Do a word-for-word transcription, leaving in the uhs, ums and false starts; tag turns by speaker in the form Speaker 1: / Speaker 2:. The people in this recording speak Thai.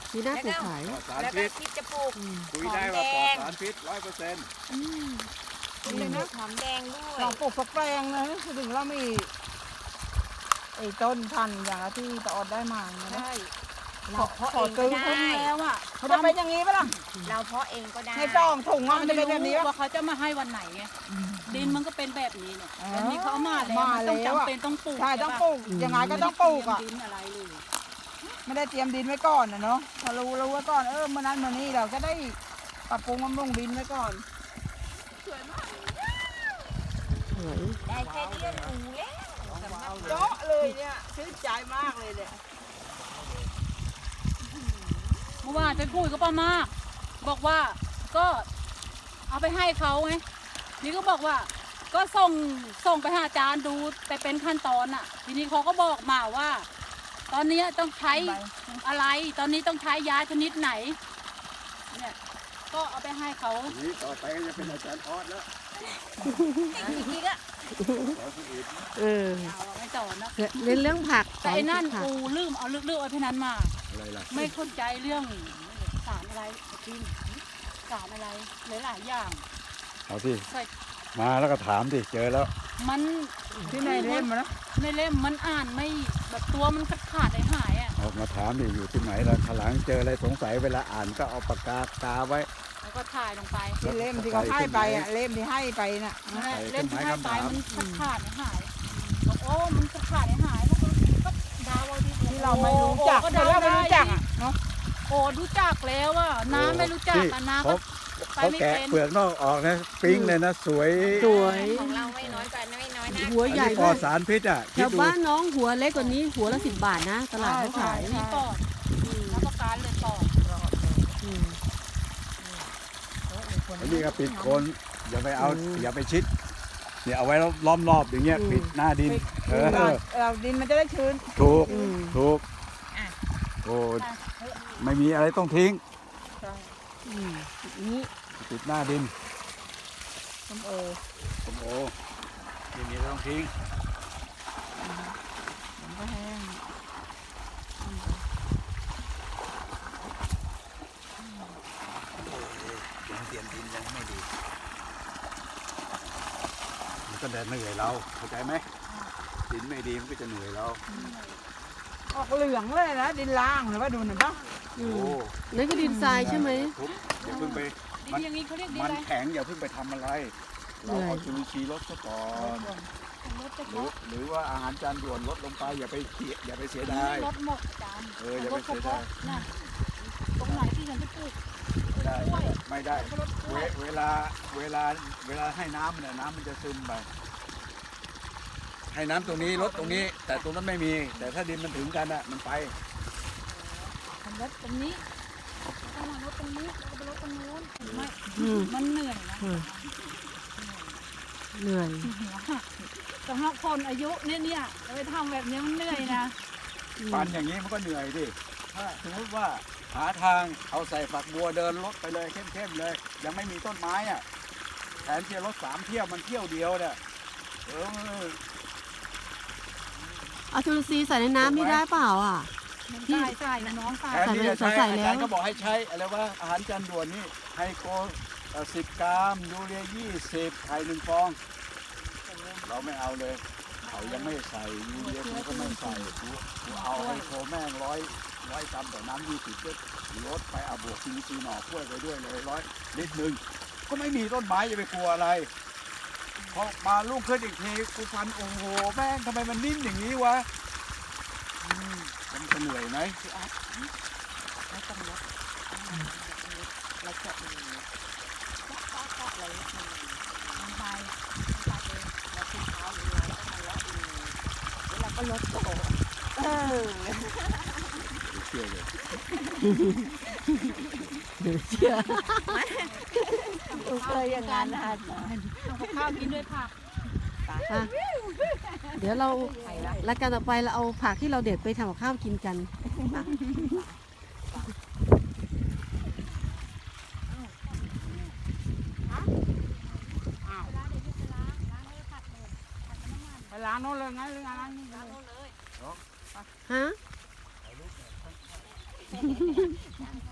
Speaker 1: มีหน้าปลูกขาย
Speaker 2: ปลอดสาร
Speaker 3: แล้วก็
Speaker 2: พิษ
Speaker 3: คิดจะปลูก
Speaker 2: คุยได้ว่าปลอดสารพิษร้อยเปอร์เซ็นต์
Speaker 3: นี่นะหอมแดงด้วย
Speaker 4: ลองปลูกสักแปลงนะถึงเรามีไอ้ต้นพันธุ์อย่างที่ตะออดได้มาเนี่ยนะ
Speaker 3: ใช่
Speaker 4: ข
Speaker 3: เรา
Speaker 4: อ
Speaker 3: เพาะ
Speaker 4: ข
Speaker 3: เอ
Speaker 4: อง
Speaker 3: ก็
Speaker 4: ซื้อ
Speaker 3: ได้
Speaker 4: เพิ่งแล้วอ่ะเขาจะเป็นอย่างนี้ปะล่ะ
Speaker 3: เราเพาะเองก็ได้
Speaker 4: ให้จองถุงว่ามันจะเป็นแบบนี้
Speaker 5: ว่า
Speaker 4: ปะ
Speaker 5: เขาจะมาให้วันไหนไงดินมันก็เป็นแบบนี้เนี่ย
Speaker 4: อ๋อ
Speaker 5: แต่นี่เขาเอามาแล้ว
Speaker 4: มา
Speaker 5: มันต้อง
Speaker 4: แล้วอะ
Speaker 5: จำเป็นต้องปลูก
Speaker 4: ใช่ต้องปลูก
Speaker 1: อืม
Speaker 4: ยังไงก็ต้องปลูกอ่ะ
Speaker 5: ไม่ได้เตรียมดินอะไรเลย
Speaker 4: ไม่ได้เตรียมดินไว้ก่อนนะเนาะพอรู้รู้ไว้ก่อนเออเมื่อนั้นเมื่อนี้เราก็ได้ปรับปรุงบำรุงดินไว้ก่อน
Speaker 1: สวย
Speaker 3: ได้แค่นี้ก็หนูแล้วสำหรับ
Speaker 4: เจาะเลยเนี่ยชื่นใจมากเลยเนี่ย
Speaker 5: เมื่อวานไปคุยกับป้ามาก บอกว่าก็เอาไปให้เขาไงนี่ก็บอกว่า ก็ส่งส่งไปหาอาจารย์ดูไปเป็นขั้นตอนอ่ะ ทีนี้เขาก็บอกมาว่า ตอนนี้ต้องใช้อะไร ตอนนี้ต้องใช้ยาชนิดไหน เนี่ย ก็เอาไปให้เขา
Speaker 2: ทีนี้ต่อไปก็จะเป็นอาจารย์ออสแล้ว
Speaker 3: อีกทีก็
Speaker 2: สอนคนอื่น
Speaker 1: เออ
Speaker 5: เอาไม่ต่อนะ
Speaker 1: เล่นเรื่องผัก
Speaker 5: แต่ไอ้นั่น
Speaker 1: สอ
Speaker 5: กูลืมเอาเลือกๆไอ้พนันมา
Speaker 2: อะไรล่ะ
Speaker 5: ไม่เข้าใจเรื่องสารอะไรจริงสารอะไรหลายๆอย่าง
Speaker 2: เอาที่
Speaker 5: ใส่
Speaker 2: มาแล้วก็ถามดิเจอแล้ว
Speaker 5: มัน
Speaker 4: ที่ในเล่มอะนะ
Speaker 5: ในเล่มมันอ่านไม่แบบตัวมันขาดขาดๆหายๆอ่ะ
Speaker 2: ออกมาถามดิอยู่ที่ไหนล่ะขางหลังเจออะไรสงสัยเวลาอ่านก็เอาปากกากาไว้
Speaker 5: แล้วก็ถ่ายลงไป
Speaker 4: ที่เล่มที่เขาให้ไปอ่ะเล่มที่ให้ไปน่ะ
Speaker 5: นั่นแหละ
Speaker 2: ใส่
Speaker 5: เล่มที่ให้ไป
Speaker 2: เครื่องหมาย
Speaker 5: มัน
Speaker 2: คำถาม
Speaker 5: ขาดขาดๆหายๆบอกโอ้มันขาดขาดๆหายๆแล้วก็ก็ดาวเอาที่
Speaker 4: ที่เราไม่รู้จัก
Speaker 5: โอ้
Speaker 4: แต่เราไม่รู้จักอ่ะเนาะ
Speaker 5: โอ้รู้จักแล้วอ่ะน้ำไม่รู้จักอ่ะน้ำ
Speaker 2: เขา
Speaker 5: ก็ไป
Speaker 2: เขา
Speaker 5: ไม่
Speaker 2: แกะ
Speaker 5: เป็น
Speaker 2: เปลือกนอกออกนะปิ้งเลยนะสวย
Speaker 1: สวย
Speaker 3: ของเราไม่น้อยกว่าไม่น้อยนะ
Speaker 1: หัว
Speaker 2: อัน
Speaker 1: ใหญ่
Speaker 2: นี้ปล
Speaker 1: มา
Speaker 2: อก ดสารพิษอ่ะ
Speaker 1: แถ
Speaker 2: คิด
Speaker 1: ว
Speaker 2: ดู
Speaker 1: บ้านน้องหัวเล็กกว่านี้หัวละสิบบาทนะ ตลาดเขาขาย
Speaker 5: นี่ปอดแล้วก็การเลยปอด
Speaker 1: อืม
Speaker 2: อันนี้ก็ปิดโคนอย่าไปเอาอย่าไปชิดเนี่ยเอาไว้ล้อมรอบอย่างเงี้ยปิดหน้าดินเออ
Speaker 4: เราดินมันจะได้ชื้น
Speaker 2: ถูก
Speaker 1: อืม
Speaker 2: ถูกโอ้ไม่มีอะไรต้องทิ้ง
Speaker 1: อืมนี่
Speaker 2: ปิดหน้าดิน
Speaker 4: ส้มโอ
Speaker 2: ผมโอ้ไม่มีอะไรต้องทิ้ง
Speaker 4: มันก็แห้ง
Speaker 2: ยังเตรียมดินยังไม่ดีมันก็เดินเหนื่อยเราเข้าใจไหมดินไม่ดีมันก็จะเหนื่อยเรา
Speaker 4: ออกเหลืองเลยนะดินล่างหรือว่าดูหน่อยป่ะ
Speaker 1: อื
Speaker 2: โอ้
Speaker 1: มนั่นก็ดินทรายใช่ไหม
Speaker 2: ทุบอย่าเพิ่งไป
Speaker 5: ดินอย่างนี้เขาเรียกดิน
Speaker 2: มัน
Speaker 5: อะไร
Speaker 2: แข็งอย่าเพิ่งไปทำอะไร เราเอาจุลินทรีย์ลดซะก่อน
Speaker 5: รถจะ
Speaker 2: หรือหรือว่าอาหารจานด่วนลดลงไปอย่าไปเสียอย่าไปเสียดาย
Speaker 5: รถหมดจาน
Speaker 2: เอออย่าไปเสียดาย
Speaker 5: น่ะตรงไหนที่ฉันจะปลูก
Speaker 2: ไม่ได้ไม่ได้เวเวลาเวลาเวลาให้น้ำเนี่ยน้ำมันจะซึมไปให้น้ำตรงนี้ลดตรงนี้ แต่ตรงนั้นไม่มี แต่ถ้าดินมันถึงกันอ่ะมันไป
Speaker 5: ทำรถตรงนี้ต้องมารถตรงนี้แล้วก็ไปรถตรงนู้นไม่
Speaker 1: อืม
Speaker 5: มันเหนื่อยนะ
Speaker 1: อืมเหนื่อย
Speaker 5: หัวหักสำหรับคนอายุเนี่ยเนี่ยไปทำแบบนี้มันเหนื่อยนะ
Speaker 2: ฟันอย่างนี้มันก็เหนื่อยดิถ้าสมมติว่าหาทางเอาใส่ฝักบัวเดินรถไปเลยเข้มๆเลย ยังไม่มีต้นไม้อ่ะแทนที่จะรถสามเที่ยวมันเที่ยวเดียวเนี่ยเออ
Speaker 1: เอาจุลินทรีย์ใส่ในน้ำนี่ได้เปล่าอ่ะ
Speaker 5: มันใส่ใส่น้องใส่
Speaker 2: แทนที่จะใช้
Speaker 1: ใส่
Speaker 2: อา
Speaker 1: แล้ว
Speaker 2: จารย์ก็บอกให้ใช้อะไรว่าอาหารจานด่วนนี่ไฮโกสิบกรัมยูเรียยี่สิบไข่หนึ่งฟอง เราไม่เอาเลยเขายังไม่ใส่ยูเรียกูก็ไม่ใส่กูกูเอาไฮโคแม่งร้อยร้อยกรัมต่อน้ำยี่สิบก็ลดไปเอาบวกซีซีหน่อกล้วยไปด้วยเลยร้อยลิตรหนึ่งก็ไม่มีต้นไม้จะไปกลัวอะไรพอมาลูกขึ้นอีกทีกูฟันโอ้โหแม่งทำไมมันนิ่มอย่างนี้วะอืมมันจะเหนื่อยไหม
Speaker 3: ไม่ต้องลดแล้วก็มีก็ก็อะไรนิดนึง
Speaker 5: มันไป
Speaker 3: ตัดเลยแล้วที่เท้าหรืออะไรก็มาเลาะเองแล้วเราก็ลดโตเออ
Speaker 2: ไม่เชื่อเลย
Speaker 1: เดี๋ยวเชื่อ
Speaker 3: เคยอย่างนั้นนะคะ
Speaker 5: เอากับข้าวกินด้วยผัก
Speaker 1: อ่ะเดี๋ยวเรารายการต่อไปเราเอาผักที่เราเด็ดไปทำกับข้าวกินกันอ่ะ
Speaker 4: ไปล้างโน่นเลยงั้นหรือล้างนี่
Speaker 5: ล้างรถเลย
Speaker 1: ฮะ
Speaker 3: น้ำ